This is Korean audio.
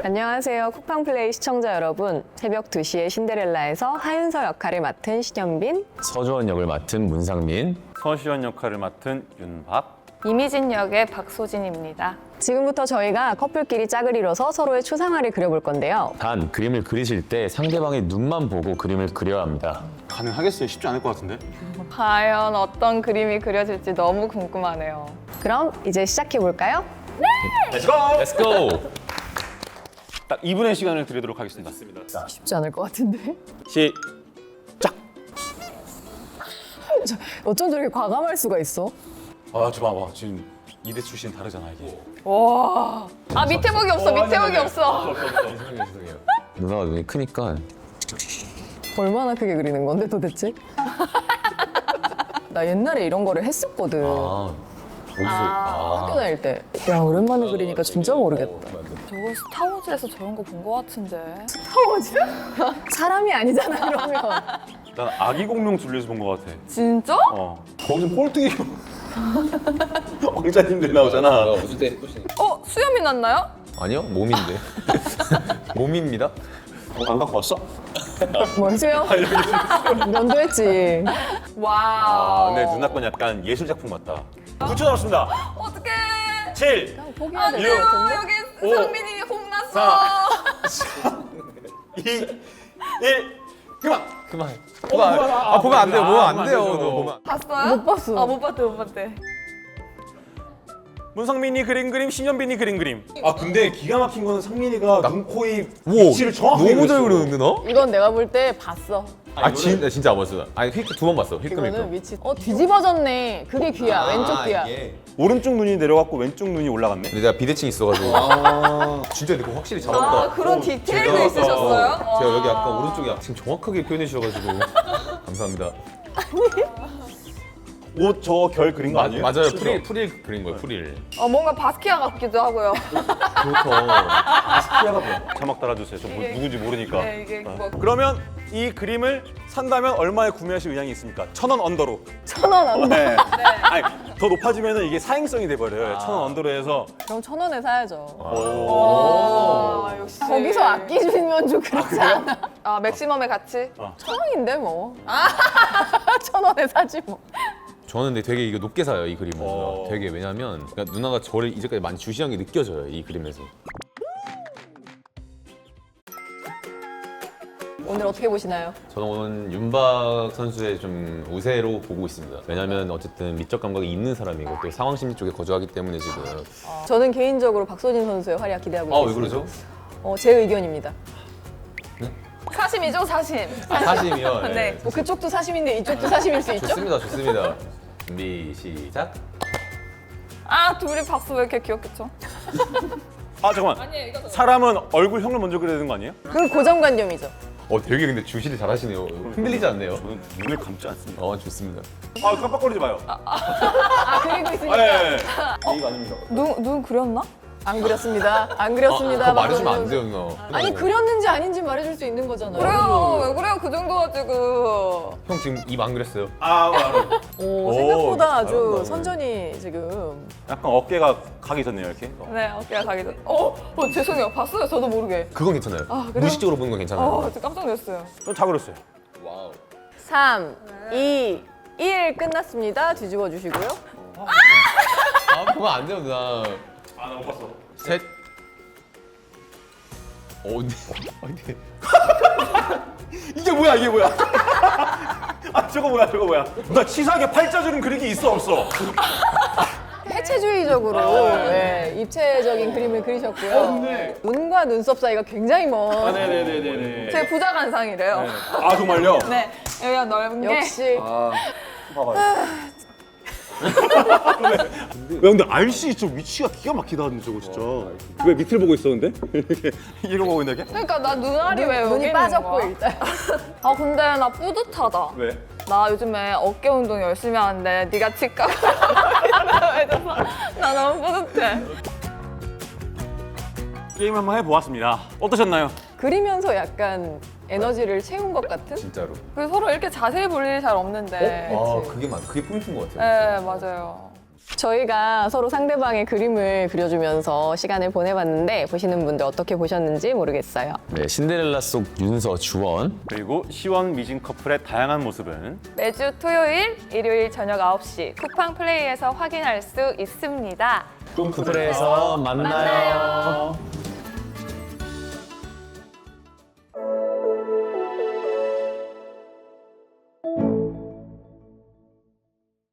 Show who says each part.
Speaker 1: 안녕하세요. 쿠팡플레이 시청자 여러분. 새벽 2시에 신데렐라에서 하윤서 역할을 맡은 신현빈.
Speaker 2: 서주원 역을 맡은 문상민.
Speaker 3: 서시원 역할을 맡은 윤박.
Speaker 4: 이미진 역의 박소진입니다.
Speaker 1: 지금부터 저희가 커플끼리 짝을 이뤄서 서로의 추상화를 그려볼 건데요.
Speaker 2: 단, 그림을 그리실 때 상대방의 눈만 보고 그림을 그려야 합니다.
Speaker 5: 가능하겠어요? 쉽지 않을 것 같은데?
Speaker 4: 과연 어떤 그림이 그려질지 너무 궁금하네요.
Speaker 1: 그럼 이제 시작해볼까요?
Speaker 3: 렛츠고!
Speaker 2: Let's go!
Speaker 3: 딱 2분의 시간을 드리도록 하겠습니다.
Speaker 1: 쉽지 않을 것 같은데.
Speaker 3: 시작!
Speaker 1: 어쩜 저렇게 과감할 수가 있어?
Speaker 3: 아, 저 봐봐. 지금 이대 출신 다르잖아, 이게.
Speaker 4: 와. 아 밑에 보기 없어. 밑에 보기 없어.
Speaker 2: 누나가 눈이 크니까
Speaker 1: 얼마나 크게 그리는 건데 도대체? 나 옛날에 이런 거를 했었거든. 학교 다닐 때. 야, 오랜만에 그리니까 진짜 모르겠다.
Speaker 4: 저거 스타워즈에서 저런 거 본 거 같은데.
Speaker 1: 스타워즈? 사람이 아니잖아, 그러면.
Speaker 3: 난 아기 공룡 둘리에서 본 것 같아.
Speaker 4: 진짜?
Speaker 5: 거기서 꼴뚜기 왕자님들 나오잖아.
Speaker 2: 웃을 때
Speaker 4: 수염이 났나요?
Speaker 2: 아니요, 몸인데. 몸입니다.
Speaker 5: 안 갖고 왔어?
Speaker 1: 뭘 수영? 면도했지.
Speaker 4: 와우.
Speaker 3: 근데 누나 건 약간 예술 작품 같다. 9초 남았습니다.
Speaker 4: 어떡해.
Speaker 3: 7,
Speaker 1: 포기해야
Speaker 4: 안
Speaker 1: 될
Speaker 4: 돼요.
Speaker 1: 것 같은데?
Speaker 4: 여기
Speaker 3: 오.
Speaker 4: 상민이 혼났어.
Speaker 3: 2, 1, 그만!
Speaker 2: 그만. 보면 안 돼요. 보면 안 돼요. 너 보면.
Speaker 4: 봤어요?
Speaker 1: 못 봤어.
Speaker 4: 아, 못 봤대, 못 봤대.
Speaker 3: 문상민이 그린 그림, 신현빈이 그린 그림. 아, 근데 기가 막힌 거는 상민이가 눈, 코, 입
Speaker 2: 오,
Speaker 3: 위치를 정확하게
Speaker 2: 너무 잘
Speaker 3: 그렸어.
Speaker 2: 그리는데 너?
Speaker 1: 이건 내가 볼 때 봤어.
Speaker 2: 진짜 안 봤어. 아니 휙 두 번 봤어. 휙끔
Speaker 1: 이거는
Speaker 2: 휙끔.
Speaker 1: 위치. 뒤집어졌네. 그게 귀야. 왼쪽 귀야.
Speaker 3: 오른쪽 눈이 내려갔고 왼쪽 눈이 올라갔네.
Speaker 2: 근데 내가 비대칭 있어가지고. 진짜 근데 그거 확실히 잡았다.
Speaker 4: 아, 그런 디테일도
Speaker 2: 제가-
Speaker 4: 있으셨어요?
Speaker 2: 제가 여기 아까 오른쪽에 지금 정확하게 표현해 주셔가지고 감사합니다.
Speaker 3: 옷 저 결 그린 거 아니에요?
Speaker 2: 맞아요. 프릴 그린 거예요. 프릴.
Speaker 4: 뭔가 바스키아 같기도 하고요.
Speaker 2: 그렇죠.
Speaker 3: 자막 달아주세요. 저 누군지 모르니까.
Speaker 4: 네, 이게 뭐.
Speaker 3: 그러면 이 그림을 산다면 얼마에 구매하실 의향이 있습니까? 1,000원 언더로.
Speaker 1: 1,000원 안 돼.
Speaker 3: 네. 아니, 더 높아지면 이게 사행성이 돼버려요. 1,000원 언더로 해서.
Speaker 1: 그럼 1,000원에 사야죠.
Speaker 4: 아, 역시.
Speaker 1: 거기서 아끼주면 좀 그렇지 않아?
Speaker 4: 아, 맥시멈의 가치?
Speaker 1: 1,000원인데 뭐. 1,000원에 사지 뭐.
Speaker 2: 저는 근데 되게 이거 높게 사요 이 그림을.
Speaker 3: 어.
Speaker 2: 되게 왜냐면 그러니까 누나가 저를 이제까지 많이 주시한 게 느껴져요 이 그림에서.
Speaker 1: 오늘 어떻게 보시나요?
Speaker 2: 저는 오늘 윤박 선수의 좀 우세로 보고 있습니다. 왜냐면 어쨌든 미적 감각이 있는 사람이고 또 상황 심리 쪽에 거주하기 때문에 지금.
Speaker 1: 저는 개인적으로 박소진 선수의 활약 기대하고
Speaker 2: 왜
Speaker 1: 있습니다.
Speaker 2: 그러죠?
Speaker 1: 제 의견입니다.
Speaker 4: 사심이죠, 사심.
Speaker 2: 사심이요.
Speaker 4: 네.
Speaker 1: 뭐 그쪽도 사심인데 이쪽도 사심일 수 있죠?
Speaker 2: 좋습니다, 좋습니다. 준비 시작.
Speaker 4: 아, 둘이 박수 왜 이렇게 귀엽겠죠?
Speaker 3: 아, 잠깐만. 사람은 얼굴형을 먼저 그려야 되는 거 아니에요?
Speaker 1: 그건 고정관념이죠.
Speaker 2: 되게 근데 주시를 잘하시네요. 흔들리지 않네요.
Speaker 3: 저는 눈을 감지 않습니다.
Speaker 2: 좋습니다.
Speaker 3: 아, 깜빡거리지 마요.
Speaker 1: 그리고 있으니까.
Speaker 3: 네. 이거 아닙니다.
Speaker 4: 눈 그렸나?
Speaker 1: 안 그렸습니다. 안 그렸습니다.
Speaker 2: 그거 말해주면 안
Speaker 1: 박소진
Speaker 2: 돼요,
Speaker 1: 선수.
Speaker 2: 누나.
Speaker 1: 아니 그렸는지 아닌지 말해줄 수 있는 거잖아요.
Speaker 4: 그래요, 왜 그래요? 그 정도 가지고.
Speaker 2: 형 지금 입 안 그랬어요.
Speaker 3: 알아.
Speaker 1: 오, 생각보다 아주
Speaker 2: 잘한다.
Speaker 1: 선전이 지금.
Speaker 3: 약간 어깨가 가기 전네요, 이렇게.
Speaker 4: 네, 어깨가 가기 전. 죄송해요. 봤어요, 저도 모르게.
Speaker 2: 그건 괜찮아요.
Speaker 4: 그래요?
Speaker 2: 무의식적으로 보는 건 괜찮아요.
Speaker 4: 진짜 깜짝 놀랐어요.
Speaker 3: 좀 그렸어요.
Speaker 2: 와우.
Speaker 1: 3, 2, 1 끝났습니다. 뒤집어 주시고요.
Speaker 2: 그건 안 돼요, 누나.
Speaker 3: 아, 나 못 봤어.
Speaker 2: 셋. 근데.
Speaker 3: 이게 뭐야, 이게 뭐야? 아, 저거 뭐야? 나 치사하게 팔자주름 그리기 있어, 없어?
Speaker 1: 해체주의적으로 입체적인 그림을 그리셨고요. 눈과 눈썹 사이가 굉장히 먼.
Speaker 3: 네네네네.
Speaker 4: 제 부자 간상이래요.
Speaker 3: 아, 정말요?
Speaker 4: 네, 여기가 넓은 게.
Speaker 1: 역시
Speaker 3: 봐봐요. 야, 근데 RC 저 위치가 기가 막히다, 근데 저거 진짜. 왜 밑을 보고 있었는데? 이러고 보고 있는데?
Speaker 4: 그러니까 나 눈알이 왜 여기
Speaker 1: 눈이
Speaker 4: 있는
Speaker 1: 빠졌고
Speaker 4: 거야?
Speaker 1: 일단.
Speaker 4: 아, 근데 나 뿌듯하다.
Speaker 3: 왜?
Speaker 4: 나 요즘에 어깨 운동 열심히 하는데 네가 치과 해줘서 나 너무 뿌듯해.
Speaker 3: 게임 한번 해보았습니다. 어떠셨나요?
Speaker 1: 그리면서 약간 에너지를 채운 것 같은?
Speaker 2: 진짜로.
Speaker 4: 그리고 서로 이렇게 자세히 볼 일이 잘 없는데.
Speaker 2: 그게 포인트인 것 같아요.
Speaker 4: 네, 맞아요.
Speaker 1: 저희가 서로 상대방의 그림을 그려주면서 시간을 보내봤는데 보시는 분들 어떻게 보셨는지 모르겠어요.
Speaker 2: 네, 신데렐라 속 윤서, 주원.
Speaker 3: 그리고 시원 미진 커플의 다양한 모습은
Speaker 4: 매주 토요일, 일요일 저녁 9시 쿠팡 플레이에서 확인할 수 있습니다.
Speaker 2: 꿈쿠플에서 만나요.